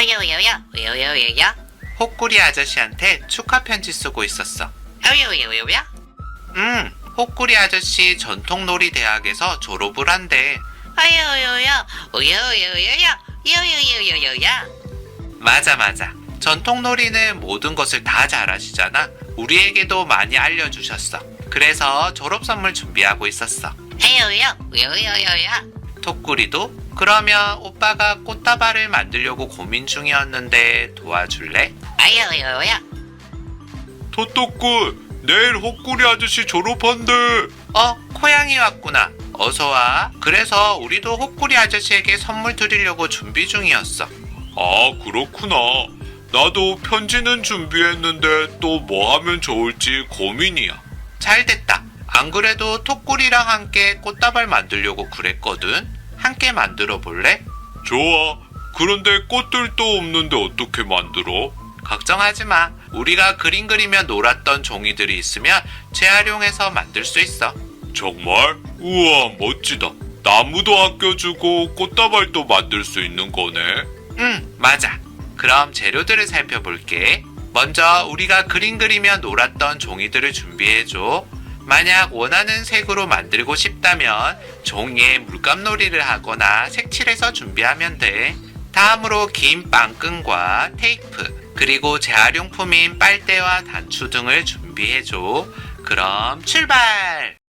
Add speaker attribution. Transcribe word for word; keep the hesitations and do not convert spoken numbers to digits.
Speaker 1: 요요요요 요요요요
Speaker 2: 호꾸리 아저씨한테 축하 편지 쓰고 있었어.
Speaker 1: 요요요요요
Speaker 2: 음, 호꾸리 아저씨 전통놀이 대학에서 졸업을 한대.
Speaker 1: 요요요요 요요요요 요요요요요
Speaker 2: 맞아, 맞아. 전통놀이는 모든 것을 다 잘하시잖아. 우리에게도 많이 알려주셨어. 그래서 졸업 선물 준비하고 있었어.
Speaker 1: 요요 요요요요
Speaker 2: 토꾸리도 그러면 오빠가 꽃다발을 만들려고 고민 중이었는데 도와줄래?
Speaker 1: 요요요요
Speaker 3: 토토꾼, 내일 호꾸리 아저씨 졸업한대.
Speaker 2: 어, 코양이 왔구나. 어서와. 그래서 우리도 호꾸리 아저씨에게 선물 드리려고 준비 중이었어.
Speaker 3: 아, 그렇구나. 나도 편지는 준비했는데 또 뭐 하면 좋을지 고민이야.
Speaker 2: 잘 됐다. 안 그래도 토꾸리랑 함께 꽃다발 만들려고 그랬거든. 함께 만들어 볼래?
Speaker 3: 좋아. 그런데 꽃들도 없는데 어떻게 만들어?
Speaker 2: 걱정하지 마. 우리가 그림 그리며 놀았던 종이들이 있으면 재활용해서 만들 수 있어.
Speaker 3: 정말? 우와, 멋지다. 나무도 아껴주고 꽃다발도 만들 수 있는 거네.
Speaker 2: 응, 맞아. 그럼 재료들을 살펴볼게. 먼저 우리가 그림 그리며 놀았던 종이들을 준비해줘. 만약 원하는 색으로 만들고 싶다면 종이에 물감놀이를 하거나 색칠해서 준비하면 돼. 다음으로 긴 빵끈과 테이프, 그리고 재활용품인 빨대와 단추 등을 준비해줘. 그럼 출발!